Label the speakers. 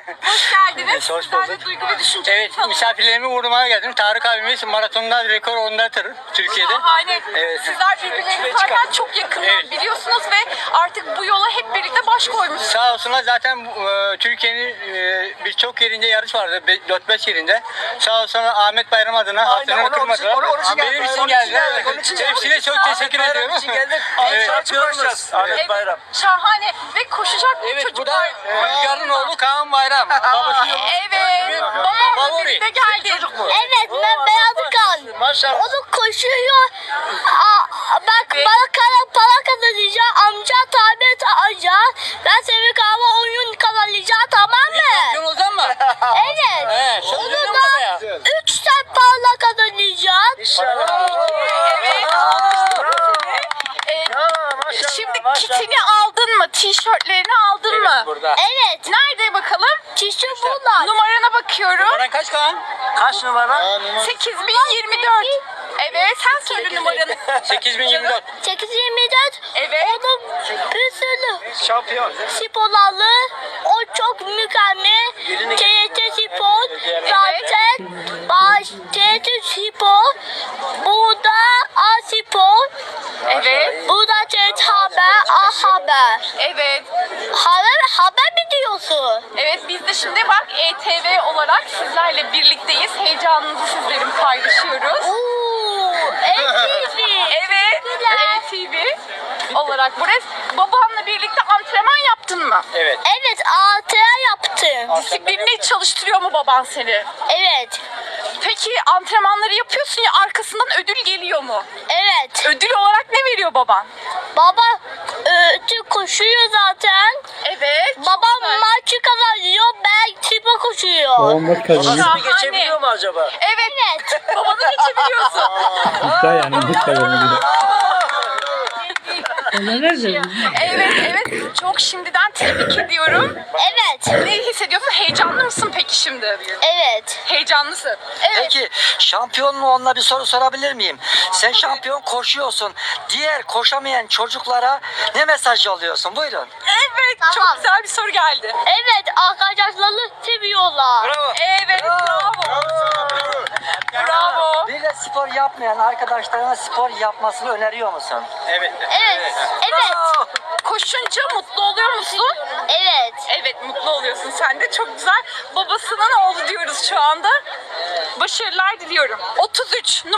Speaker 1: Hoş geldiniz.
Speaker 2: Hoş
Speaker 1: Sizler de
Speaker 2: bulduk.
Speaker 1: duygu ve düşünce.
Speaker 2: Evet, misafirlerimi uğurlamaya geldim. Tarık abimiz maratonda rekor ondadır Türkiye'de.
Speaker 1: Şahane.
Speaker 2: Evet.
Speaker 1: Sizler birbirlerinize zaten çok yakından
Speaker 2: Evet.
Speaker 1: biliyorsunuz ve artık bu yola hep birlikte baş koymuşsunuz.
Speaker 2: Sağ olsunlar zaten Türkiye'nin birçok yerinde yarış vardı. 4-5 yerinde. Sağ olsunlar Ahmet Bayram adına hatırını kırmadılar. Benim için geldiler. Hepsine çok teşekkür ediyorum. Evet.
Speaker 1: Evet, şahane ve koşacak bu
Speaker 2: Evet, bu da
Speaker 1: çocuklar.
Speaker 2: Rüzgar'ın oğlu Kaan Bayram. Babasının
Speaker 1: Evet, babamla
Speaker 2: Favori.
Speaker 1: birlikte geldi.
Speaker 3: Evet, ben Beyazı Kan.
Speaker 2: Maşallah.
Speaker 3: Onu koşuyor. Bak bana para kazanacağım. Amca tablet alacağım. Ben senin kahve oyun kazanacağım, tamam mı?
Speaker 2: Şampiyon olacak mı?
Speaker 3: Evet.
Speaker 2: He,
Speaker 3: Onu
Speaker 2: söz veriyor
Speaker 3: da
Speaker 2: musun ya?
Speaker 3: 3 sen para kazanacağım.
Speaker 1: Evet. Şimdi kitini aldın mı? Tişörtlerini aldın mı?
Speaker 2: Burada.
Speaker 3: Evet.
Speaker 1: Nerede bakalım?
Speaker 3: Kişi bunlar.
Speaker 1: Numarana bakıyorum.
Speaker 2: Numaran kaç Kaan? Kaç numara?
Speaker 1: 8024. Evet, sen söyle numaranı.
Speaker 2: 8024.
Speaker 3: 824.
Speaker 1: Evet.
Speaker 3: Onun bir sürü
Speaker 2: Şampiyon.
Speaker 3: sporları. O çok mükemmel. TRT Spor. Zaten TRT Spor. Burada A Spor.
Speaker 1: Evet.
Speaker 3: Burada TRT Haber. A Haber.
Speaker 1: Evet.
Speaker 3: Haber mi diyorsun?
Speaker 1: Evet, biz de şimdi bak ETV olarak sizlerle birlikteyiz. Heyecanınızı sizlerin paylaşıyoruz.
Speaker 3: Ooo. ETV.
Speaker 1: Evet,
Speaker 3: Teşekkürler.
Speaker 1: ETV olarak burası. Babanla birlikte antrenman yaptın mı?
Speaker 2: Evet.
Speaker 3: Evet, ATR yaptım.
Speaker 1: Disiplinli çalıştırıyor mu baban seni?
Speaker 3: Evet.
Speaker 1: Peki antrenmanları yapıyorsun ya, arkasından ödül geliyor mu?
Speaker 3: Evet.
Speaker 1: Ödül olarak ne veriyor baban?
Speaker 3: Baba koşuyor zaten.
Speaker 1: Evet.
Speaker 3: Babam maçı kazanıyor, ben spor koşuyor.
Speaker 4: Babam maç kazanıyor.
Speaker 1: Şahane.
Speaker 2: Geçebiliyor mu acaba?
Speaker 1: Evet.
Speaker 3: Evet.
Speaker 1: Babanı geçebiliyorsun.
Speaker 4: İddia yani bu kazanıyor.
Speaker 1: Evet, evet. Çok şimdiden tebrik ediyorum.
Speaker 3: Evet.
Speaker 1: Ne hissediyorsun? Heyecanlı mısın peki şimdi?
Speaker 3: Evet.
Speaker 1: Heyecanlısın. Evet.
Speaker 5: Peki şampiyonluğuna bir soru sorabilir miyim? Sen şampiyon koşuyorsun. Diğer koşamayan çocuklara ne mesaj yolluyorsun? Buyurun.
Speaker 1: Evet.
Speaker 3: Tamam.
Speaker 1: Çok güzel bir soru geldi.
Speaker 3: Evet, arkadaşları seviyorlar.
Speaker 2: Bravo.
Speaker 1: Evet. Bravo. Bravo.
Speaker 5: Bir de spor yapmayan arkadaşlarına spor yapmasını öneriyor musun?
Speaker 2: Evet.
Speaker 3: Evet. Evet.
Speaker 1: Koşunca mutlu oluyor musun?
Speaker 3: Evet.
Speaker 1: Evet, mutlu oluyorsun sen de. Çok güzel. Babasının oğlu diyoruz şu anda. Başarılar diliyorum. 33